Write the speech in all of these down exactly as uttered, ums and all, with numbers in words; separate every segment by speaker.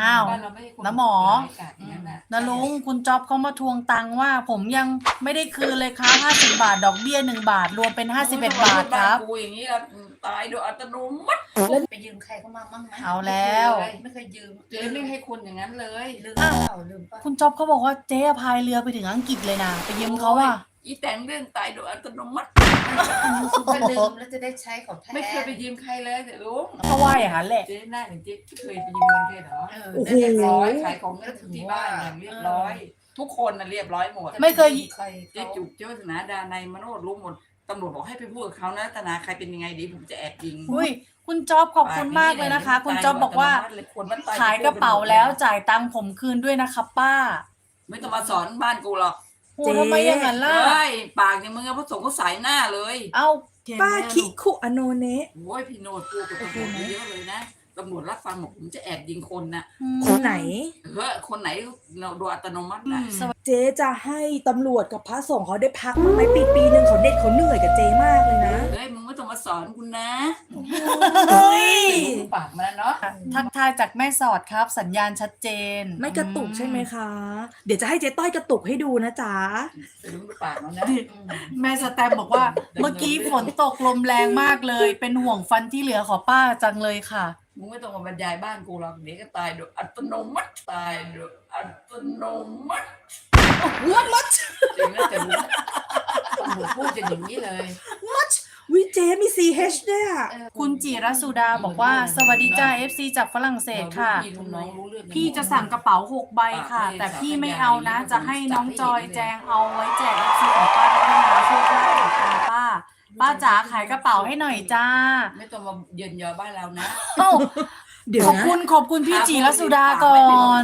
Speaker 1: อ้าว
Speaker 2: บ้านเราไม่ใช่คน
Speaker 1: น้าหมอ
Speaker 2: ร้ายกาจอย่างนั้นน่ะ
Speaker 1: นะลุงคุณจ๊อบเขามาทวงตังค์ว่า ผมยังไม่ได้คืนเลยครับห้าสิบบาทดอกเบี้ยหนึ่งบาท รวมเป็นห้าสิบเอ็ดบาทครับ
Speaker 2: กูอย่างนี้แล้วตายโดยอัตโนมัติ
Speaker 3: แล้วไปยืมใครเข้ามาบ้างไหม
Speaker 1: เอาแล้ว
Speaker 3: ไม่เคยยืม
Speaker 2: เจ๊ไม่ให้คนอย่างนั้นเลย
Speaker 3: ลืมเปล่าลืมเปล่า
Speaker 1: คุณจ๊อบเขาบอกว่าเจ๊พายเรือไปถึงอังกฤษเลยนะไปยืมเขาอะ
Speaker 2: อีแต่งเรื่องตายโดยอัตโนมัติ
Speaker 3: ถ้าลืมแล้วจะได้ใช้ของแท้
Speaker 2: ไม่เคยไปยืมใครเลยแต่ลุง
Speaker 1: เขาว่าอย่างนั้นแหละ
Speaker 2: เจ๊หน้าอย่างเจ๊เคยไปยืมเงินใครเหรอ
Speaker 3: เออ
Speaker 1: โอ้โห
Speaker 2: เรียบร้อยขายของก็ถึงที่บ้านอย่างเรียบร้อย ทุกคนน่ะเรียบร้อยหมด
Speaker 1: ไม่เคย
Speaker 3: ใคร
Speaker 2: เจ๊จุกเจ้าวัฒนาดาในยมโนดรู้หมดตำรวจบอกให้ไปพูดกับเขานะตนาใครเป็นยังไงดีผมจะแอบยิง
Speaker 1: อุ้ยคุณจ๊อบขอบคุณมากเลยนะคะ คุณจ๊อบบอกว่า ขายกระเป๋าแล้วจ่ายตังค์ผมคืนด้วยนะครับป้า
Speaker 2: ไม่ต้องมาสอนบ้านกูหรอก
Speaker 1: โอ้ทำไมอย่างนั้นล่ะ
Speaker 2: เฮ้ยปากอย่างมึงอะพระสงฆ์ก็สายหน้าเลย
Speaker 1: เอ้า
Speaker 4: ป้าคิคุอโนเนะ
Speaker 2: โอ้ยพี่โนดกูกับตำรวจเยอะเลยนะตำรวจรับฟังบอกผมจะแอบยิงคนน่ะ
Speaker 4: คนไหน
Speaker 2: เฮ้ยคนไหนโดยอัตโนมัติน่ะ
Speaker 4: เจ๊จะให้ตำรวจกับพระสงฆ์เขาได้พักมั้างไหมปีปีหนึ่งเขาเด็ดเขาเหนื่อยกับเจ๊มากเลยนะ
Speaker 2: เฮ้ยมึงไม่ต้องมาสอนกูนะ
Speaker 1: เฮ้ย
Speaker 2: ปากมาแล้วเนาะ
Speaker 1: ทักทายจากแม่สอดครับ สัญญาณชัดเจน
Speaker 4: ไม่กระตุกใช่ไหมคะ เดี๋ยวจะให้เจ๊ต้อยกระตุกให้ดูนะจ๊ะ
Speaker 2: แต่มึงปากแล้วนะ
Speaker 1: แม่สแตมบอกว่า เมื่อกี้ฝนตกลมแรงมากเลย เป็นห่วงฟันที่เหลือขอป้าจังเลยค่ะ
Speaker 2: มึงไม่ต้องมาบรรยายบ้านกูหรอกเดี๋ยวก็ตายโดยอัตโนมัติตายโดยอัตโนมัติ
Speaker 4: วัดมัด
Speaker 2: เจ๋งนะแต่รู้ตำรวจพูดจะอย่างนี้เลย
Speaker 4: วิเจ๊มี ซี เอช ด้วยอะ
Speaker 1: คุณจิรสุดาบอกว่า สวัสดีจ้า เอฟ ซี จากฝรั่งเศสค่ะ
Speaker 2: พี่ลูกน้องรู้เรื่องกันหมด
Speaker 1: พี่จะสั่งกระเป๋าหกใบค่ะ แต่พี่ไม่เอานะ จะให้น้องจอยแจงเอาไว้แจก เอฟ ซี ของป้าพัฒนาช่วยได้ค่ะป้า ป้าจ๋าขายกระเป๋าให้หน่อยจ้า
Speaker 2: ไม่ต้องมาเยินยอบ้านเรานะ
Speaker 1: เอ้า
Speaker 4: เดี๋ยว
Speaker 1: ขอบ
Speaker 4: นะ
Speaker 1: คุณขอบคุณพี่จิรสุดาก่อน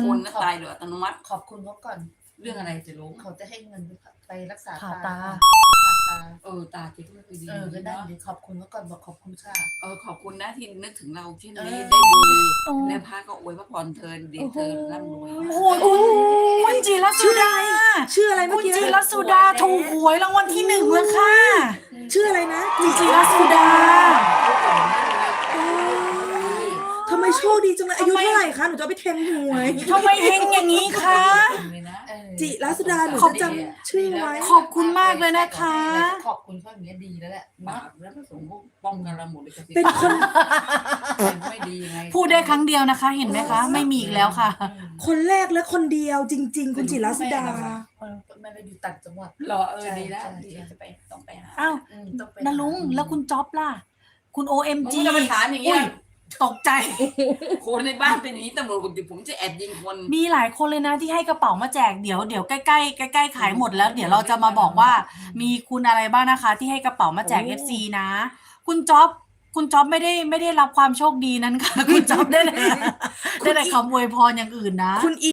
Speaker 2: คนนะตายโดยอัตโนมัติ
Speaker 3: ขอบคุณเขาก่อน
Speaker 2: เรื่องอะไรจะรู้
Speaker 3: เขาจะให้เงินไปรักษา
Speaker 1: ผ่า
Speaker 3: ตา
Speaker 1: ตา
Speaker 3: ผ่าตา
Speaker 2: เออตาจิ๊กก็คือดี
Speaker 3: เออก็ได้
Speaker 2: เนาะ
Speaker 3: เดี๋ยวขอบคุณเขาก่อนบอกขอบคุณค่ะ
Speaker 2: เออขอบคุณนะที่นึกถึงเราที่
Speaker 3: เอ
Speaker 2: นี้
Speaker 3: อ
Speaker 2: ได้ดี
Speaker 1: โอ้
Speaker 2: และพระก็อวยพระพรเธอเดีเธอร่ำรวย
Speaker 1: โอ้โหคุณจิรสุดา
Speaker 4: ชื่ออะไรเมื่
Speaker 1: คุ
Speaker 4: อ
Speaker 1: ณ
Speaker 4: กี้
Speaker 1: จิรสุดาถูกหวยรางวัลที่หนึ่งเลยค่ะ
Speaker 4: ชื่ออะไรนะ
Speaker 1: คุณจิรสุดา
Speaker 4: อ๋อทำไมโชคดีจังเลยอายุเท่าไหร่คะหนูจะเอาไปเทงหวย
Speaker 1: ทำไมเฮงอย่างนี้คะ
Speaker 2: เลยนะ
Speaker 3: เออ
Speaker 4: จิรัสดาหนู
Speaker 1: ขอบ
Speaker 4: จะจำชื่อไว้
Speaker 1: ขอบคุณมากเลยนะคะ
Speaker 3: ขอบคุณเขาอย่างเงี้ยดีแล้วแหละ
Speaker 2: บาปแล้วพระสงฆ์ก็ป้องกันเราหมดเลยจะ
Speaker 4: เป็นคน
Speaker 2: ไม่ดียังไง
Speaker 1: พูดได้ครั้งเดียวนะคะ เห็นไหมคะ ไม่มีอีกแล้วค่ะ
Speaker 4: คนแรกและคนเดียวจริง ๆ คุณจิรัสดา
Speaker 3: เออไม่ได้อยู่ต่างจังหวัด
Speaker 2: รอเออดีแล้ว
Speaker 3: ใช่
Speaker 2: ดีจะไปต้องไปหา
Speaker 1: อ้าว
Speaker 3: อืมต้องไป
Speaker 1: นาลุงแล้วคุณจ๊อบล่ะ คุณ โอ เอ็ม
Speaker 2: มึง
Speaker 1: จี
Speaker 2: จะไปถามอย่างเงี้ย
Speaker 1: ตกใจ
Speaker 2: คนในบ้านเป็นอย่างนี้ตำรวจบอกเดี๋ยวผมจะแอบยิงคน
Speaker 1: มีหลายคนเลยนะที่ให้กระเป๋ามาแจกเดี๋ยวเดี๋ยวใกล้ใกล้ใกล้ใกล้ๆขายหมดแล้ว เดี๋ยวเราจะมาบอกว่า มีคุณอะไรบ้างนะคะ ที่ให้กระเป๋ามาแจก เอฟ ซี นะ คุณจ๊อบคุณจ๊อบไม่ได้ไม่ได้รับความโชคดีนั้นค่ะ คุณจ๊อบได้เลยได้แต่คำอวยพรอย่างอื่นนะ
Speaker 4: คุณ